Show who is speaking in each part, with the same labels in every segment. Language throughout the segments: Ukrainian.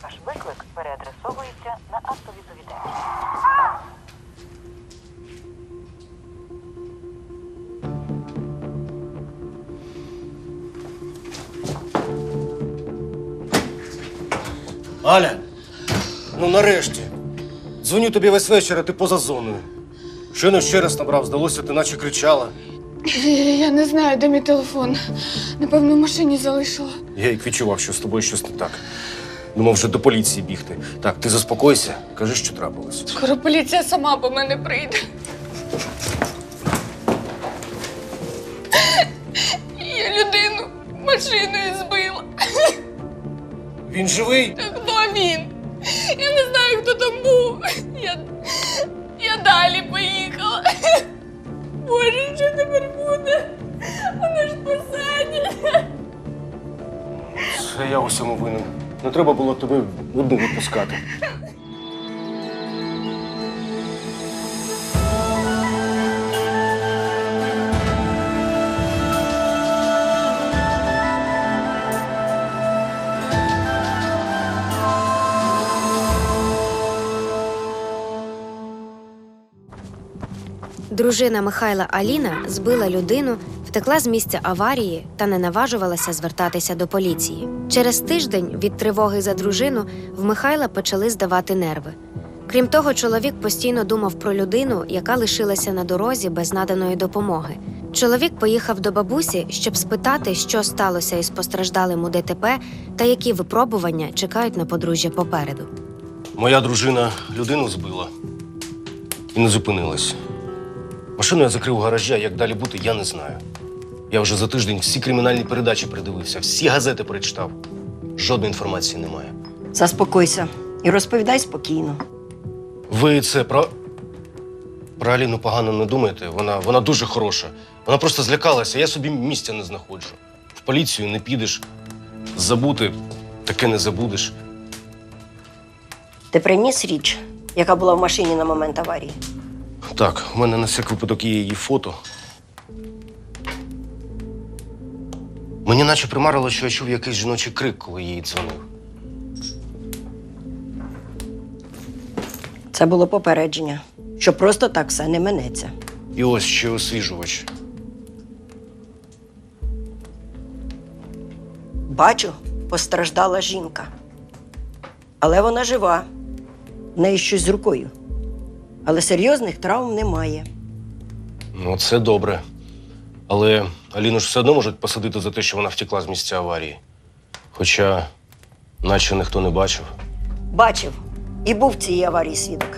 Speaker 1: Ваш виклик переадресовується на автовідповідач.
Speaker 2: Аля, ну нарешті. Дзвоню тобі весь вечір, а ти поза зоною. Щойно ще раз набрав, здалося, ти наче кричала.
Speaker 3: Я не знаю, де мій телефон. Напевно, в машині залишила.
Speaker 2: Я як відчував, що з тобою щось не так. Думав вже до поліції бігти. Так, ти заспокойся, кажи, що трапилось.
Speaker 3: Скоро поліція сама по мене прийде. Я людину машиною збила.
Speaker 2: Він живий?
Speaker 3: Хто він? Я не знаю, хто там був. Я далі поїхала. Боже, що тепер буде? Вона ж посадять.
Speaker 2: Це я у всьому винен. Не треба було тебе одну відпускати.
Speaker 4: Дружина Михайла Аліна збила людину, втекла з місця аварії та не наважувалася звертатися до поліції. Через тиждень від тривоги за дружину в Михайла почали здавати нерви. Крім того, чоловік постійно думав про людину, яка лишилася на дорозі без наданої допомоги. Чоловік поїхав до бабусі, щоб спитати, що сталося із постраждалим у ДТП та які випробування чекають на подружжя попереду.
Speaker 2: Моя дружина людину збила і не зупинилась. Машину я закрив у гаражі, а як далі бути, я не знаю. Я вже за тиждень всі кримінальні передачі передивився, всі газети перечитав. Жодної інформації немає.
Speaker 5: Заспокойся і розповідай спокійно.
Speaker 2: Ви це про Аліну погано не думаєте? Вона дуже хороша. Вона просто злякалася, я собі місця не знаходжу. В поліцію не підеш, забути таке не забудеш.
Speaker 5: Ти приніс річ, яка була в машині на момент аварії?
Speaker 2: Так, у мене на всяк випадок є її фото. Мені наче примарило, що я чув якийсь жіночий крик, коли їй дзвонив.
Speaker 5: Це було попередження, що просто так все не минеться.
Speaker 2: І ось ще освіжувач.
Speaker 5: Бачу, постраждала жінка. Але вона жива. В неї щось з рукою. Але серйозних травм немає.
Speaker 2: Ну, це добре. Але Аліну ж все одно можуть посадити за те, що вона втекла з місця аварії. Хоча, наче ніхто не бачив.
Speaker 5: Бачив і був в цій аварії свідок.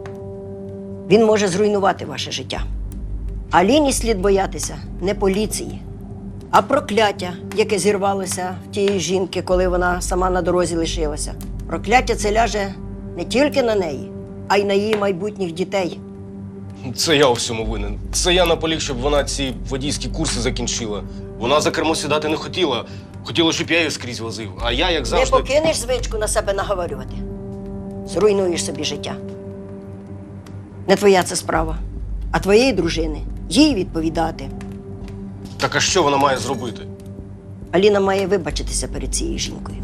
Speaker 5: Він може зруйнувати ваше життя. Аліні слід боятися не поліції, а прокляття, яке зірвалося в тієї жінки, коли вона сама на дорозі лишилася. Прокляття це ляже не тільки на неї, а й на її майбутніх дітей.
Speaker 2: Це я у всьому винен. Це я наполіг, щоб вона ці водійські курси закінчила. Вона за кермо сідати не хотіла. Хотіла, щоб я її скрізь возив. А я, як завжди...
Speaker 5: Не покинеш звичку на себе наговорювати. Зруйнуєш собі життя. Не твоя це справа, а твоєї дружини. Їй відповідати.
Speaker 2: Так а що вона має зробити?
Speaker 5: Аліна має вибачитися перед цією жінкою.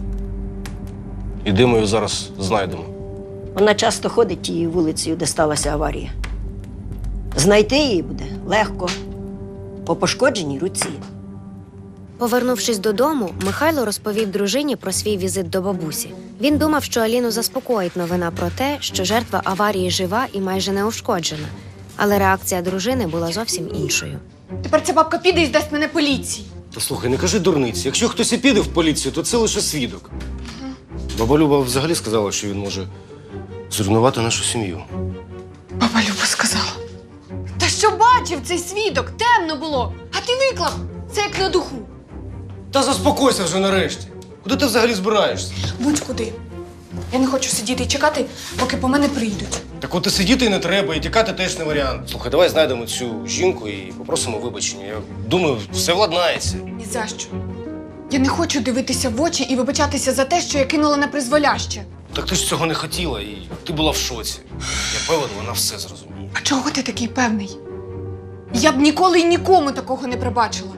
Speaker 2: І де ми її зараз знайдемо?
Speaker 5: Вона часто ходить тією вулицею, де сталася аварія. Знайти її буде легко, по пошкодженій руці.
Speaker 4: Повернувшись додому, Михайло розповів дружині про свій візит до бабусі. Він думав, що Аліну заспокоїть новина про те, що жертва аварії жива і майже неушкоджена. Але реакція дружини була зовсім іншою.
Speaker 3: Тепер ця бабка піде і здасть мене поліції.
Speaker 2: Та слухай, не кажи дурниці. Якщо хтось і піде в поліцію, то це лише свідок. Баба Люба взагалі сказала, що він може зруйнувати нашу сім'ю.
Speaker 3: Баба Люба сказала. Та що бачив цей свідок? Темно було. А ти виклав. Це як на духу.
Speaker 2: Та заспокойся вже нарешті. Куди ти взагалі збираєшся?
Speaker 3: Будь-куди. Я не хочу сидіти і чекати, поки по мене прийдуть.
Speaker 2: Так от і сидіти і не треба, і тікати теж не варіант. Слухай, давай знайдемо цю жінку і попросимо вибачення. Я думаю, все владнається.
Speaker 3: Ні за що. Я не хочу дивитися в очі і вибачатися за те, що я кинула на призволяще.
Speaker 2: Так ти ж цього не хотіла, і ти була в шоці. Я певен, вона все зрозуміє.
Speaker 3: А чого ти такий певний? Я б ніколи і нікому такого не пробачила.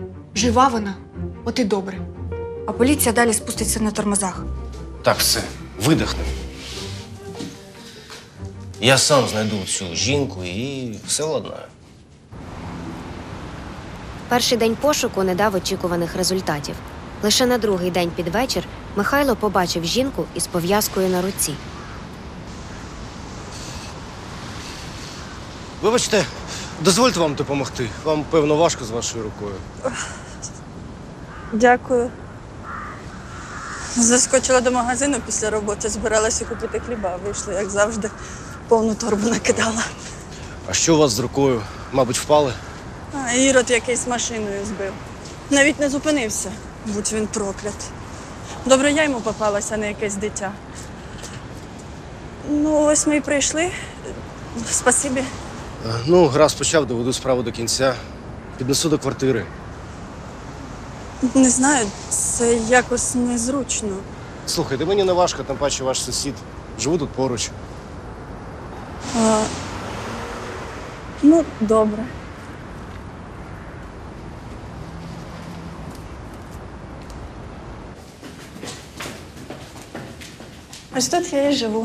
Speaker 3: Жива вона, от і добре. А поліція далі спуститься на тормозах.
Speaker 2: Так, все. Видихни. Я сам знайду цю жінку і все владнаю.
Speaker 4: Перший день пошуку не дав очікуваних результатів. Лише на другий день під вечір Михайло побачив жінку із пов'язкою на руці.
Speaker 2: Вибачте, дозвольте вам допомогти. Вам, певно, важко з вашою рукою.
Speaker 6: Дякую. Заскочила до магазину після роботи, збиралася купити хліба. Вийшла, як завжди, повну торбу накидала.
Speaker 2: А що у вас з рукою? Мабуть, впали?
Speaker 6: А Ірод якийсь машиною збив. Навіть не зупинився, будь він проклят. Добре, я йому попалася, а не якесь дитя. Ну, ось ми й прийшли. Спасибі.
Speaker 2: Ну, гаразд почав, доведу справу до кінця. Піднесу до квартири.
Speaker 6: Не знаю, це якось незручно.
Speaker 2: Слухайте, мені не важко, тим паче ваш сусід. Живу тут поруч.
Speaker 6: Ну, добре. Ось тут я і живу.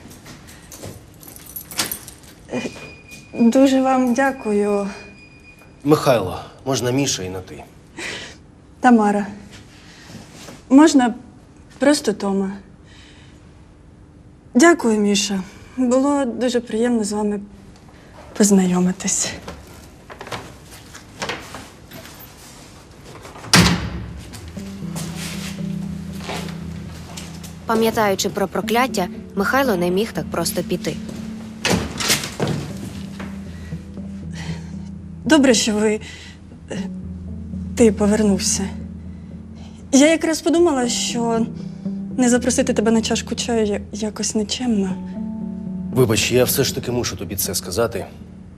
Speaker 6: Дуже вам дякую,
Speaker 2: Михайло, можна Міша і на ти.
Speaker 6: Тамара. Можна просто Тома. Дякую, Міша. Було дуже приємно з вами познайомитись.
Speaker 4: Пам'ятаючи про прокляття, Михайло не міг так просто піти.
Speaker 6: Добре, що ти повернувся. Я якраз подумала, що не запросити тебе на чашку чаю якось нечемно.
Speaker 2: Вибач, я все ж таки мушу тобі це сказати.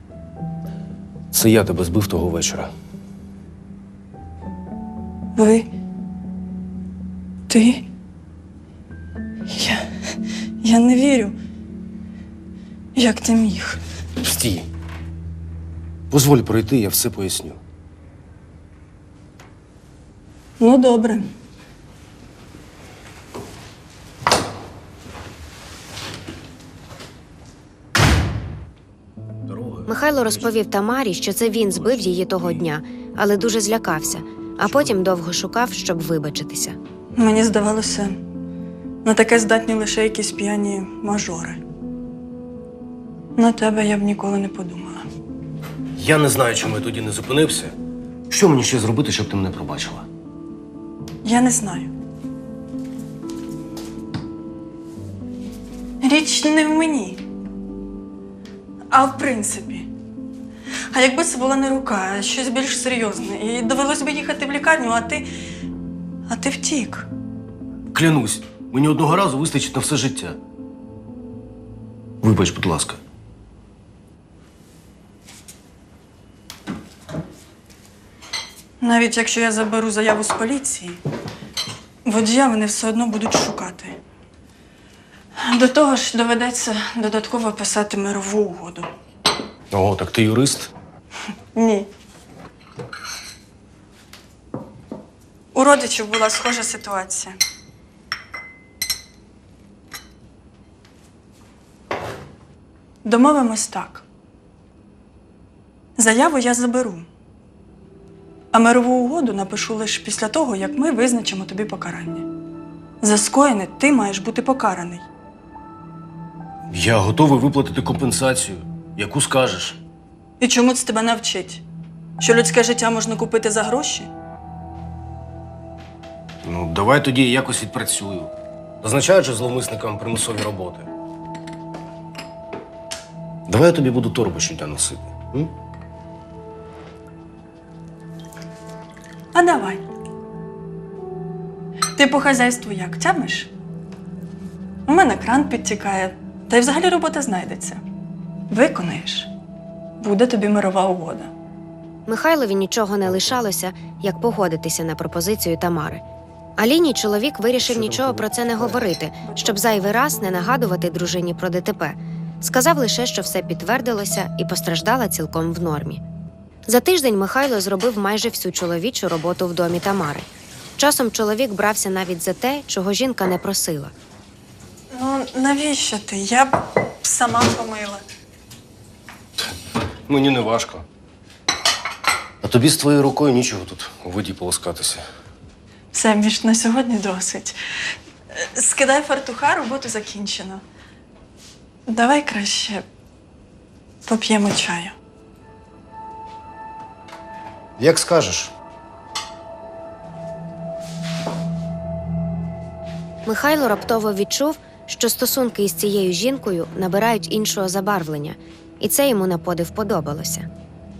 Speaker 2: Це я тебе збив того вечора.
Speaker 6: Ти? Я не вірю. Як ти міг?
Speaker 2: Стій. Позволь пройти, я все поясню.
Speaker 6: Ну, добре.
Speaker 4: Михайло розповів Тамарі, що це він збив її того дня, але дуже злякався, а потім довго шукав, щоб вибачитися.
Speaker 6: Мені здавалося, на таке здатні лише якісь п'яні мажори. На тебе я б ніколи не подумала.
Speaker 2: Я не знаю, чому я тоді не зупинився. Що мені ще зробити, щоб ти мене пробачила?
Speaker 6: Я не знаю. Річ не в мені, а в принципі. А якби це була не рука, а щось більш серйозне, і довелось би їхати в лікарню, а ти втік.
Speaker 2: Клянусь, мені одного разу вистачить на все життя. Вибач, будь ласка.
Speaker 6: Навіть якщо я заберу заяву з поліції, водія вони все одно будуть шукати. До того ж, доведеться додатково писати мирову угоду.
Speaker 2: О, так ти юрист?
Speaker 6: Ні. У родичів була схожа ситуація. Домовимось так. Заяву я заберу. А мирову угоду напишу лише після того, як ми визначимо тобі покарання. За скоєне ти маєш бути покараний.
Speaker 2: Я готовий виплатити компенсацію, яку скажеш.
Speaker 6: І чому це тебе навчить? Що людське життя можна купити за гроші?
Speaker 2: Ну, давай тоді я якось відпрацюю. Назначають же зловмисникам примусові роботи. Давай я тобі буду торбу щодня носити. М?
Speaker 6: А давай. Ти по хазяйству як тямиш? У мене кран підтікає, та й взагалі робота знайдеться. Виконаєш, буде тобі мирова угода.
Speaker 4: Михайлові нічого не лишалося, як погодитися на пропозицію Тамари. Аліні чоловік вирішив нічого про це не говорити, щоб зайвий раз не нагадувати дружині про ДТП. Сказав лише, що все підтвердилося і постраждала цілком в нормі. За тиждень Михайло зробив майже всю чоловічу роботу в домі Тамари. Часом чоловік брався навіть за те, чого жінка не просила.
Speaker 6: навіщо ти? Я б сама помила.
Speaker 2: Мені не важко. А тобі з твоєю рукою нічого тут у воді полоскатися.
Speaker 6: Все, Міш, на сьогодні досить. Скидай фартуха, роботу закінчено. Давай краще поп'ємо чаю.
Speaker 2: Як скажеш.
Speaker 4: Михайло раптово відчув, що стосунки із цією жінкою набирають іншого забарвлення, і це йому на подив подобалося.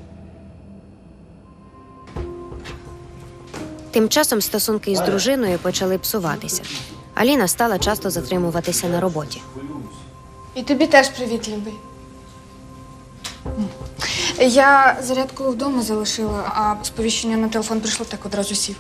Speaker 4: Тим часом стосунки із дружиною почали псуватися. Аліна стала часто затримуватися на роботі.
Speaker 3: І тобі теж привіт, любий. Я зарядку вдома залишила, а сповіщення на телефон прийшло, так одразу сів.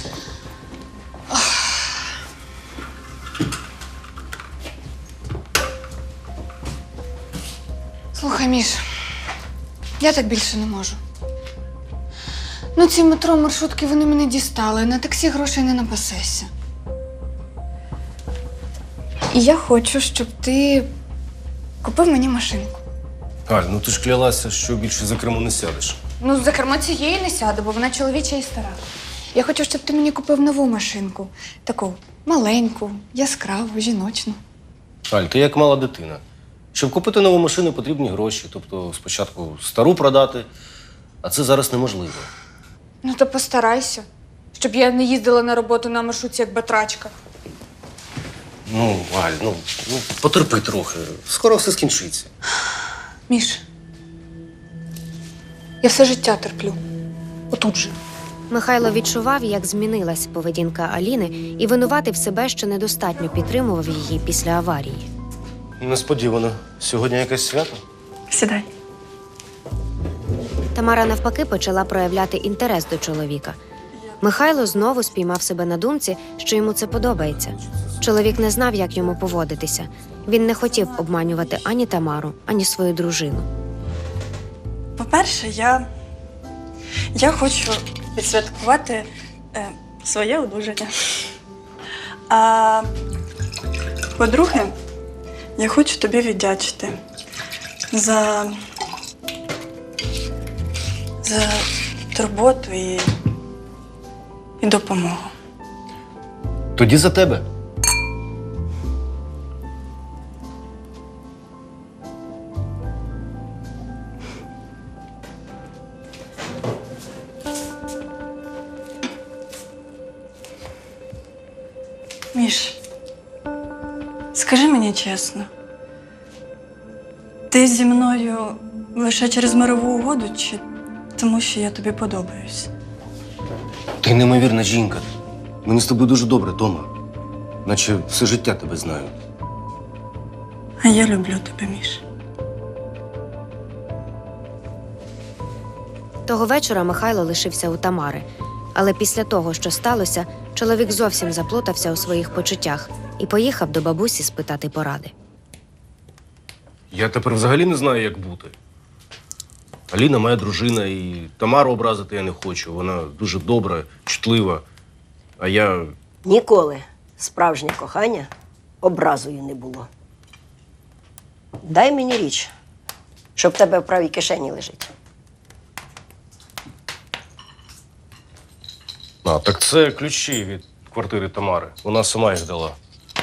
Speaker 3: Слухай, Міш, я так більше не можу. Ну, ці метро маршрутки, вони мене дістали, на таксі грошей не напасешся. І я хочу, щоб ти купив мені машинку.
Speaker 2: Аль, ну ти ж клялася, що більше за кермо не сядеш.
Speaker 3: Ну, за кермо цієї не сяду, бо вона чоловіча і стара. Я хочу, щоб ти мені купив нову машинку. Таку маленьку, яскраву, жіночну.
Speaker 2: Аль, ти як мала дитина. Щоб купити нову машину, потрібні гроші. Тобто спочатку стару продати, а це зараз неможливо.
Speaker 3: Ну, то постарайся, щоб я не їздила на роботу на маршрутці, як батрачка.
Speaker 2: Ну, Аль, ну потерпи трохи. Скоро все скінчиться.
Speaker 3: Міш, я все життя терплю. Отут же.
Speaker 4: Михайло відчував, як змінилась поведінка Аліни, і винуватив себе, що недостатньо підтримував її після аварії.
Speaker 2: Несподівано. Сьогодні якесь свято?
Speaker 6: Сідай.
Speaker 4: Тамара навпаки почала проявляти інтерес до чоловіка. Михайло знову спіймав себе на думці, що йому це подобається. Чоловік не знав, як йому поводитися. Він не хотів обманювати ані Тамару, ані свою дружину.
Speaker 6: По-перше, я хочу відсвяткувати своє одужання. А по-друге, я хочу тобі віддячити за турботу і допомогу.
Speaker 2: Тоді за тебе.
Speaker 6: Міш, скажи мені чесно, ти зі мною лише через мирову угоду чи тому, що я тобі подобаюсь?
Speaker 2: Ти неймовірна жінка. Мені з тобою дуже добре, Тома. Наче все життя тебе знаю.
Speaker 6: А я люблю тебе, Міш.
Speaker 4: Того вечора Михайло лишився у Тамари. Але після того, що сталося, чоловік зовсім заплутався у своїх почуттях і поїхав до бабусі спитати поради.
Speaker 2: Я тепер взагалі не знаю, як бути. Аліна моя дружина, і Тамару образити я не хочу. Вона дуже добра, чутлива. А я...
Speaker 5: Ніколи справжнє кохання образою не було. Дай мені річ, що в тебе в правій кишені лежить.
Speaker 2: А, так це ключі від квартири Тамари. Вона сама їх дала.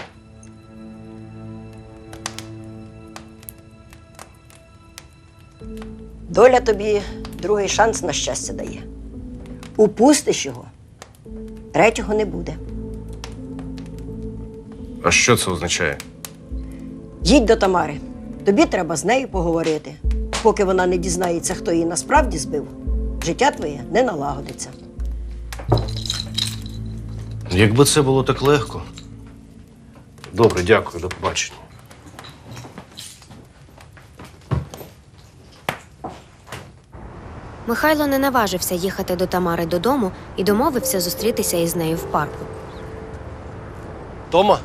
Speaker 5: Доля тобі другий шанс на щастя дає. Упустиш його, третього не буде.
Speaker 2: А що це означає?
Speaker 5: Їдь до Тамари. Тобі треба з нею поговорити. Поки вона не дізнається, хто її насправді збив, життя твоє не налагодиться.
Speaker 2: Якби це було так легко. Добре, дякую, до побачення.
Speaker 4: Михайло не наважився їхати до Тамари додому і домовився зустрітися із нею в парку.
Speaker 2: Тома?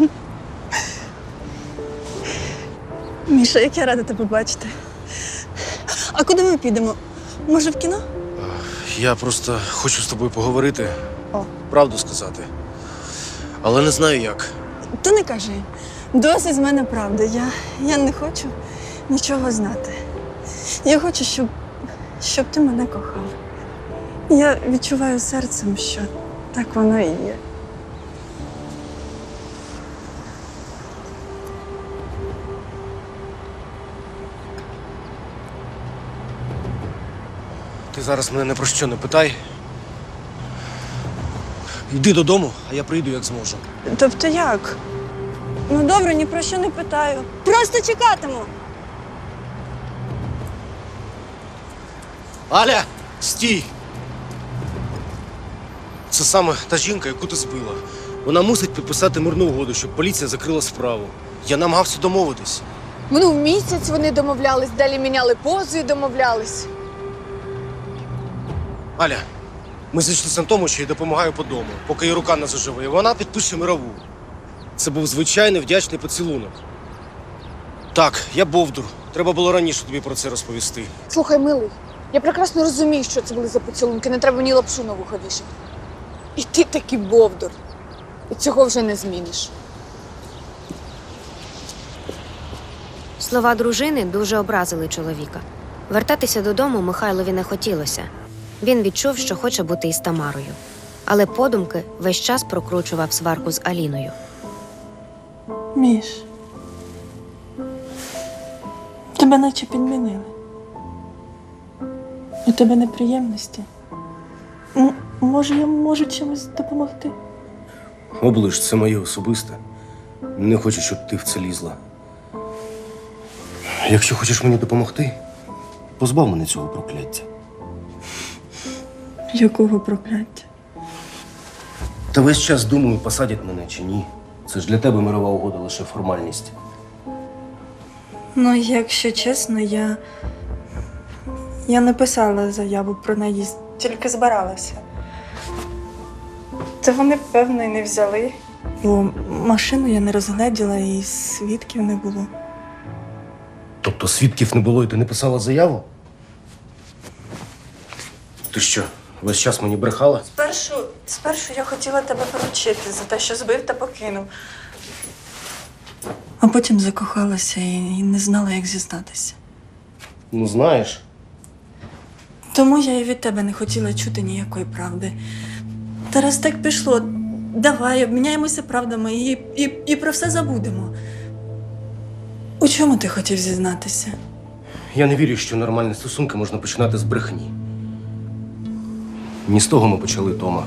Speaker 6: Міша, як я рада тебе бачити. А куди ми підемо? Може, в кіно?
Speaker 2: Я просто хочу з тобою поговорити.
Speaker 6: О.
Speaker 2: Правду сказати. Але не знаю як.
Speaker 6: То не кажи. Досить з мене правди. Я не хочу нічого знати. Я хочу, щоб ти мене кохав. Я відчуваю серцем, що так воно і є.
Speaker 2: Ти зараз мене не про що не питай. Йди додому, а я прийду, як зможу.
Speaker 6: Тобто як? Ну добре, ні про що не питаю. Просто чекатиму.
Speaker 2: Аля, стій! Це саме та жінка, яку ти збила. Вона мусить підписати мирну угоду, щоб поліція закрила справу. Я намагався домовитись.
Speaker 3: Ну, місяць вони домовлялись, далі міняли позу і домовлялись.
Speaker 2: Аля, ми зійшлися на тому, що я допомагаю по дому, поки її рука не заживе, і вона підпише мирову. Це був звичайний вдячний поцілунок. Так, я бовдур. Треба було раніше тобі про це розповісти.
Speaker 3: Слухай, милий, я прекрасно розумію, що це були за поцілунки, не треба мені лапшу на вуха вішати. І ти такий бовдур. І цього вже не зміниш.
Speaker 4: Слова дружини дуже образили чоловіка. Вертатися додому Михайлові не хотілося. Він відчув, що хоче бути із Тамарою. Але подумки весь час прокручував сварку з Аліною.
Speaker 6: Міш, тебе наче підмінили. У тебе неприємності. Може, я можу чимось допомогти?
Speaker 2: Оближ, це моє особисте. Не хочу, щоб ти в це лізла. Якщо хочеш мені допомогти, позбав мене цього прокляття.
Speaker 6: Якого прокляття?
Speaker 2: Та весь час думаю, посадять мене чи ні. Це ж для тебе мирова угода лише формальність.
Speaker 6: Ну, якщо чесно, я не писала заяву про наїзд, тільки збиралася. Та вони, певно, і не взяли. Бо машину я не розгледіла і свідків не було.
Speaker 2: Тобто свідків не було і ти не писала заяву? Ти що, весь час мені брехала?
Speaker 6: Спершу я хотіла тебе поручити за те, що збив та покинув. А потім закохалася і не знала, як зізнатися.
Speaker 2: Ну, знаєш.
Speaker 6: Тому я і від тебе не хотіла чути ніякої правди. Та раз так пішло, давай, обміняємося правдами і про все забудемо. У чому ти хотів зізнатися?
Speaker 2: Я не вірю, що нормальні стосунки можна починати з брехні. Не з того ми почали, Тома.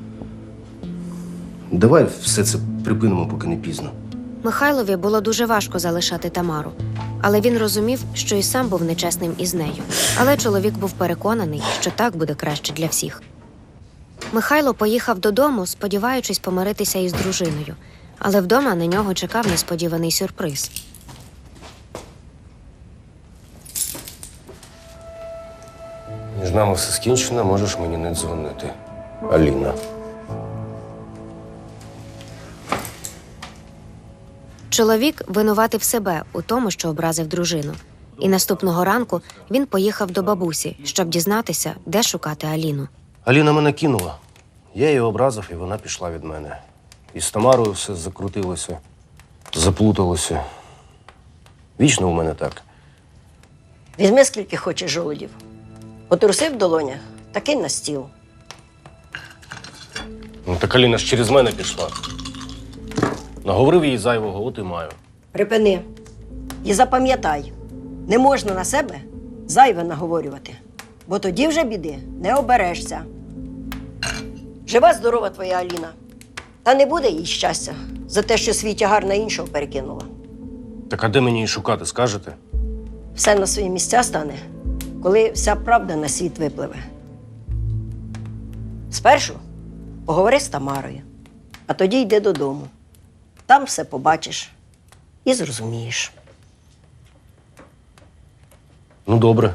Speaker 2: Давай все це припинимо, поки не пізно.
Speaker 4: Михайлові було дуже важко залишати Тамару. Але він розумів, що і сам був нечесним із нею. Але чоловік був переконаний, що так буде краще для всіх. Михайло поїхав додому, сподіваючись помиритися із дружиною. Але вдома на нього чекав несподіваний сюрприз.
Speaker 2: Між нами все скінчено, можеш мені не дзвонити. Аліна.
Speaker 4: Чоловік винуватив себе у тому, що образив дружину. І наступного ранку він поїхав до бабусі, щоб дізнатися, де шукати Аліну.
Speaker 2: Аліна мене кинула. Я її образив, і вона пішла від мене. І з Тамарою все закрутилося, заплуталося. Вічно у мене так.
Speaker 5: Візьми скільки хочеш жолудів. Потрусив в долонях, та кинь на стіл.
Speaker 2: Ну, так Аліна ж через мене пішла. Наговорив їй зайвого, от і маю.
Speaker 5: Припини. І запам'ятай, не можна на себе зайве наговорювати, бо тоді вже біди не оберешся. Жива, здорова твоя Аліна. Та не буде їй щастя за те, що свій тягар на іншого перекинула.
Speaker 2: Так а де мені її шукати, скажете?
Speaker 5: Все на свої місця стане, коли вся правда на світ випливе. Спершу поговори з Тамарою, а тоді йди додому. Там все побачиш і зрозумієш.
Speaker 2: Ну, добре.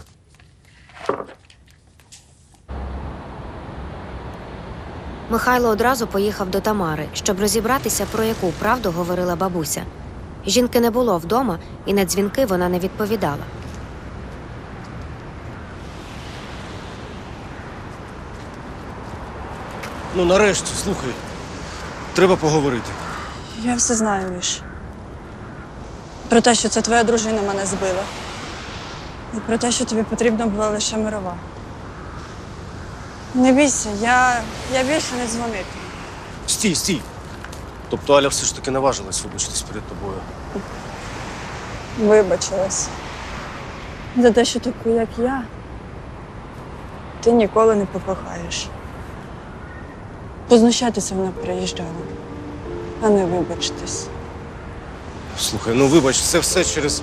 Speaker 4: Михайло одразу поїхав до Тамари, щоб розібратися, про яку правду говорила бабуся. Жінки не було вдома, і на дзвінки вона не відповідала.
Speaker 2: Ну, нарешті, слухай. Треба поговорити.
Speaker 6: Я все знаю, Міш. Про те, що це твоя дружина мене збила. І про те, що тобі потрібна була лише мирова. Не бійся, я більше не дзвонитиму.
Speaker 2: Стій, стій. Тобто Аля все ж таки наважилась вибачитись перед тобою.
Speaker 6: Вибачилась. За те, що таку, як я, ти ніколи не покохаєш. Познущатися вона приїжджала, а не вибачитись.
Speaker 2: Слухай, ну вибач, це все через.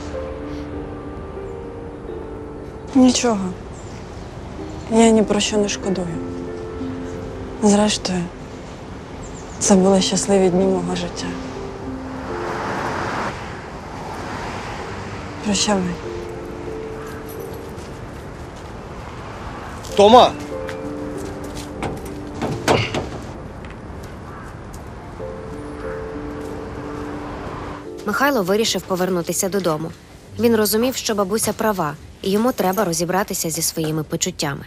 Speaker 6: Нічого. Я ні про що не шкодую. Зрештою, це були щасливі дні мого життя. Прощавай.
Speaker 2: Тома!
Speaker 4: Михайло вирішив повернутися додому. Він розумів, що бабуся права, і йому треба розібратися зі своїми почуттями.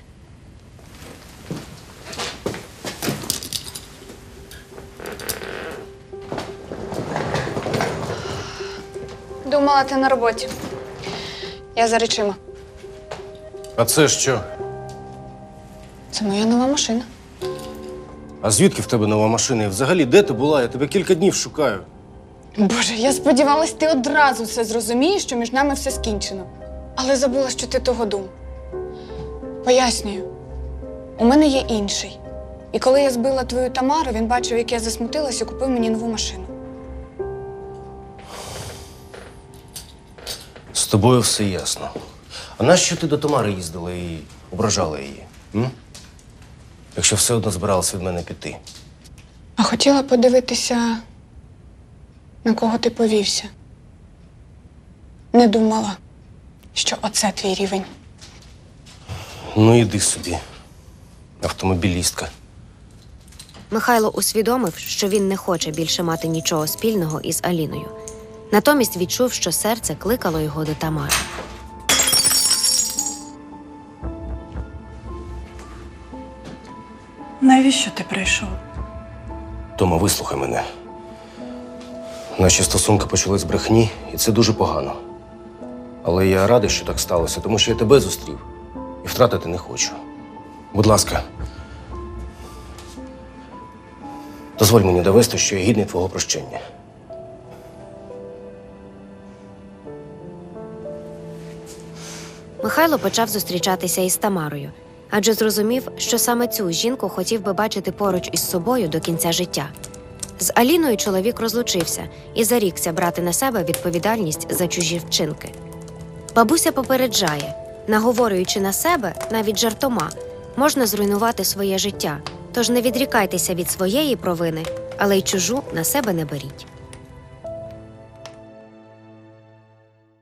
Speaker 3: Думала, ти на роботі. Я за речима.
Speaker 2: А це що?
Speaker 3: Це моя нова машина.
Speaker 2: А звідки в тебе нова машина? І взагалі, де ти була? Я тебе кілька днів шукаю.
Speaker 3: Боже, я сподівалась, ти одразу все зрозумієш, що між нами все скінчено. Але забула, що ти того дум. Пояснюю. У мене є інший. І коли я збила твою Тамару, він бачив, як я засмутилась і купив мені нову машину.
Speaker 2: З тобою все ясно. А нащо ти до Тамари їздила і ображала її? М? Якщо все одно збиралася від мене піти.
Speaker 3: А хотіла подивитися, на кого ти повівся. Не думала, що оце твій рівень.
Speaker 2: Ну іди собі, автомобілістка.
Speaker 4: Михайло усвідомив, що він не хоче більше мати нічого спільного із Аліною. Натомість відчув, що серце кликало його до Тамари.
Speaker 6: Навіщо ти прийшов?
Speaker 2: Тома, вислухай мене. Наші стосунки почали з брехні, і це дуже погано. Але я радий, що так сталося, тому що я тебе зустрів і втратити не хочу. Будь ласка, дозволь мені довести, що я гідний твого прощення.
Speaker 4: Михайло почав зустрічатися із Тамарою, адже зрозумів, що саме цю жінку хотів би бачити поруч із собою до кінця життя. З Аліною чоловік розлучився і зарікся брати на себе відповідальність за чужі вчинки. Бабуся попереджає, наговорюючи на себе, навіть жартома, можна зруйнувати своє життя, тож не відрікайтеся від своєї провини, але й чужу на себе не беріть.